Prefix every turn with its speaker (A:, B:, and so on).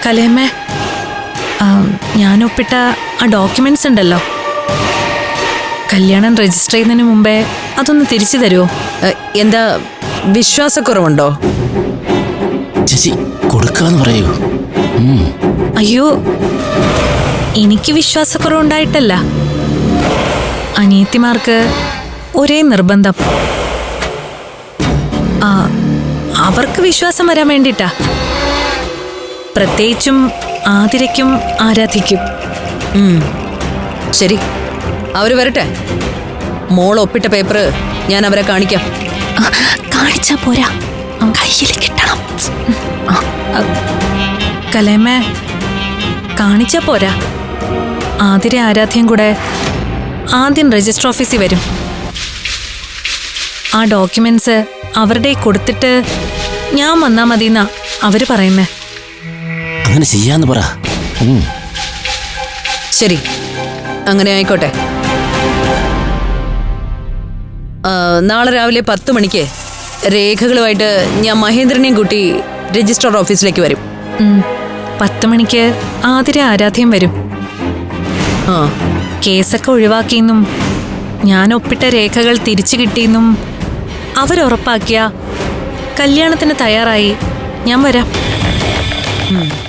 A: കലേമ്മേ, ഞാൻ ഒപ്പിട്ട ആ ഡോക്യുമെന്റ്സ് ഉണ്ടല്ലോ, കല്യാണം രജിസ്റ്റർ ചെയ്യുന്നതിന് മുമ്പേ അതൊന്ന് തിരിച്ചു തരുമോ?
B: എന്താ വിശ്വാസക്കുറവുണ്ടോ?
C: ചേച്ചി കൊടുക്കാന്ന് പറയൂ.
A: അയ്യോ, എനിക്ക് വിശ്വാസക്കുറവുണ്ടായിട്ടല്ല. അനിയത്തിമാർക്ക് ഒരേ നിർബന്ധം. അവർക്ക് വിശ്വാസം വരാൻ വേണ്ടിട്ടാ. പ്രത്യേകിച്ചും ആതിരയ്ക്കും ആരാധിക്കും.
B: ശരി, അവര് വരട്ടെ. മോൾ ഒപ്പിട്ട പേപ്പർ ഞാൻ അവരെ കാണിക്കാം.
A: കാണിച്ചാ പോരാ, കയ്യിൽ കിട്ടണം. കലേമ്മേ, കാണിച്ചാ പോരാ. ആതിര ആരാധ്യം കൂടെ ആദ്യം രജിസ്റ്റർ ഓഫീസിൽ വരും. ആ ഡോക്യുമെന്റ്സ് അവരുടെ കൊടുത്തിട്ട് ഞാൻ വന്നാ മതിന്നാ അവര് പറയുന്നേ.
C: അങ്ങനെ ചെയ്യാന്ന് പറ.
B: ശരി, അങ്ങനെ ആയിക്കോട്ടെ. നാളെ രാവിലെ 10 മണിക്ക് രേഖകളുമായിട്ട് ഞാൻ മഹേന്ദ്രനെയും കൂട്ടി രജിസ്ട്രാർ ഓഫീസിലേക്ക് വരും.
A: 10 മണിക്ക് ആതിര ആരാധ്യം വരും. കേസൊക്കെ ഒഴിവാക്കിയെന്നും ഞാൻ ഒപ്പിട്ട രേഖകൾ തിരിച്ചു കിട്ടിയെന്നും അവരുറപ്പാക്കിയ കല്യാണത്തിന് തയ്യാറായി ഞാൻ വരാം.